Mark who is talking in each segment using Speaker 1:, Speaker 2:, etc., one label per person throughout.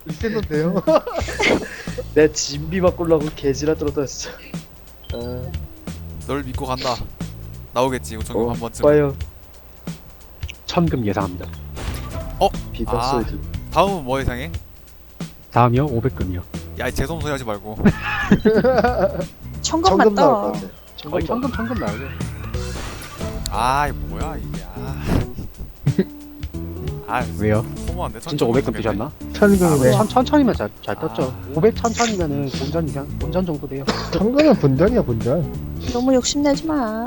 Speaker 1: 있었는데요. 내 진비 바꾸려고 개지라 떨었다 진짜. 아,
Speaker 2: 널 믿고 간다. 나오겠지 우천금 한 번쯤.
Speaker 1: 봐요.
Speaker 3: 천금 예상합니다.
Speaker 1: 비바
Speaker 2: 아.
Speaker 1: 소리.
Speaker 2: 다음은 뭐 예상해?
Speaker 3: 다음이요? 500금이요.
Speaker 2: 야 이 재수없는 소리 하지 말고.
Speaker 4: 천금
Speaker 1: 청금 나올 것
Speaker 4: 맞다.
Speaker 1: 같아.
Speaker 3: 거의 천금 나오죠.
Speaker 2: 아 이거 뭐야 이게. 아
Speaker 3: 왜요?
Speaker 2: 소모한데.
Speaker 3: 진짜 500금 뜨셨나?
Speaker 1: 천금은 왜?
Speaker 3: 천천히면 잘
Speaker 2: 아.
Speaker 3: 떴죠. 500 천천이면은 본전 정도 돼요.
Speaker 1: 천금은 본전이야 본전.
Speaker 4: 너무 욕심내지 마.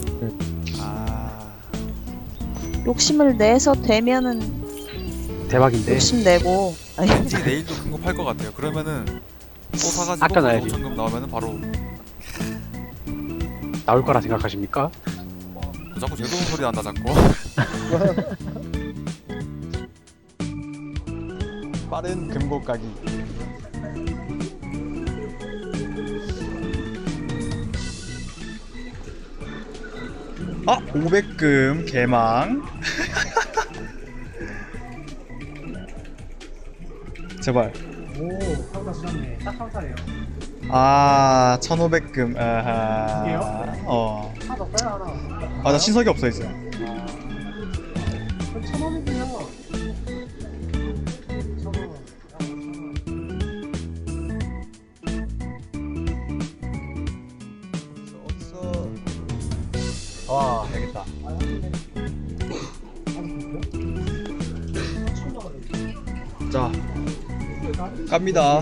Speaker 2: 아
Speaker 4: 욕심을 내서 되면은
Speaker 3: 대박인데.
Speaker 4: 욕심내고. 아니,
Speaker 2: 왠지 내일도 큰 거 팔 것 같아요. 그러면은 또 사가지고
Speaker 3: 아껴놔야지.
Speaker 2: 우천금 나오면은 바로.
Speaker 3: 나올 거라 생각하십니까?
Speaker 2: 자꾸 재수없는 소리 난다 자꾸.
Speaker 5: 빠른 금고 가기. 아, 500금 개망. 제발.
Speaker 3: 오, 상사 쓰셨네. 딱 상사예요.
Speaker 5: 아, 1500금. 아하.
Speaker 3: 이게요?
Speaker 5: 어.
Speaker 3: 하나 더 빼야 하나.
Speaker 5: 아, 나 신석이 없어 있어.
Speaker 3: 1,000원이고요.
Speaker 5: 와, 되겠다. 자, 갑니다.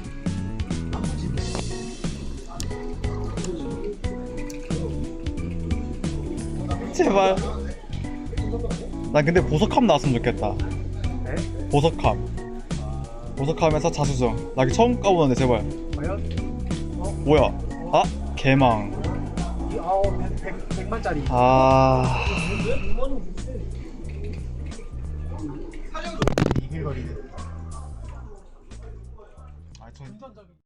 Speaker 5: 제발. 난 근데 보석함 나왔으면 좋겠다.
Speaker 3: 네?
Speaker 5: 보석함. 보석함에서 자수정. 나 이거 처음 까보는데 제발.
Speaker 3: 과연?
Speaker 5: 뭐야? 아, 개망.
Speaker 3: 100만짜리.
Speaker 5: 아.
Speaker 3: 이길거리네.
Speaker 5: 아, 저